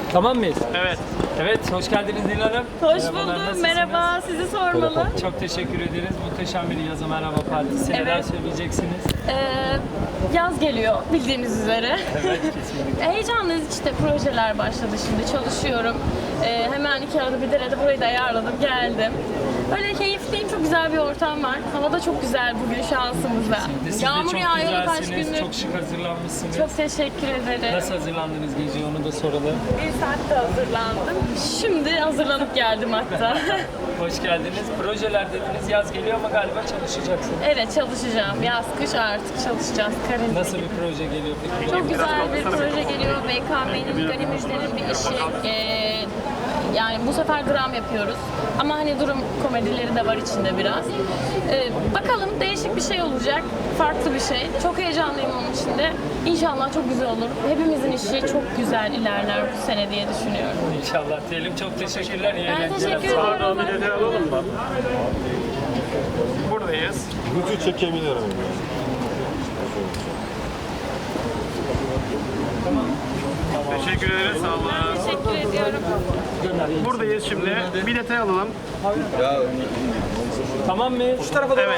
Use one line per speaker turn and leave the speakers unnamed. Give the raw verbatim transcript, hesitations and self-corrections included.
Tamam mıyız?
Evet.
Evet, hoş geldiniz Nil Hanım.
Hoş
Merhabalar,
buldum.
nasılsınız?
Merhaba. Sizi sormalı.
Çok teşekkür ederiz. Muhteşem bir yazı merhaba partisi.
Evet.
Neler söyleyeceksiniz?
Ee, yaz geliyor bildiğiniz üzere.
Evet, kesinlikle.
Heyecanlıyız işte, projeler başladı şimdi, çalışıyorum. Ee, hemen iki arada bir derede burayı da ayarladım, geldim. Böyle keyifliyim, çok güzel bir ortam var. Hava da çok güzel bugün şansımızda.
Siz de
Yağmur
çok
yağıyor kaç
güzelsiniz,
gündür.
çok şık hazırlanmışsınız.
Çok teşekkür ederim.
Nasıl hazırlandınız gece, onu da soralım.
Bir saatte hazırlandım. Şimdi hazırlanıp geldim hatta.
Hoş geldiniz. Projeler dediniz, yaz geliyor ama galiba çalışacaksınız.
Evet, çalışacağım. Yaz, kış artık çalışacağız. Karantina.
Nasıl bir proje geliyor peki?
Çok güzel bir proje geliyor. B K M'nin Gani Müjde'nin bir işi. Ee, yani bu sefer dram yapıyoruz. Ama hani durum komedileri de var içinde biraz. Ee, bakalım, değişik bir şey olacak. Farklı bir şey. Çok heyecanlıyım onun için de. İnşallah çok güzel olur. Hepimizin işi çok güzel ilerler bu sene diye düşünüyorum.
İnşallah diyelim. Çok teşekkürler. İyi
Ben
eğlenceler.
teşekkür
Sağ olun.
ederim.
Bir detay alalım mı? Buradayız.
Gücü çekebilirim.
Teşekkür ederiz. Sağ olun.
Teşekkür ediyorum.
Buradayız şimdi. Bir detay alalım.
Tamam mı?
Evet.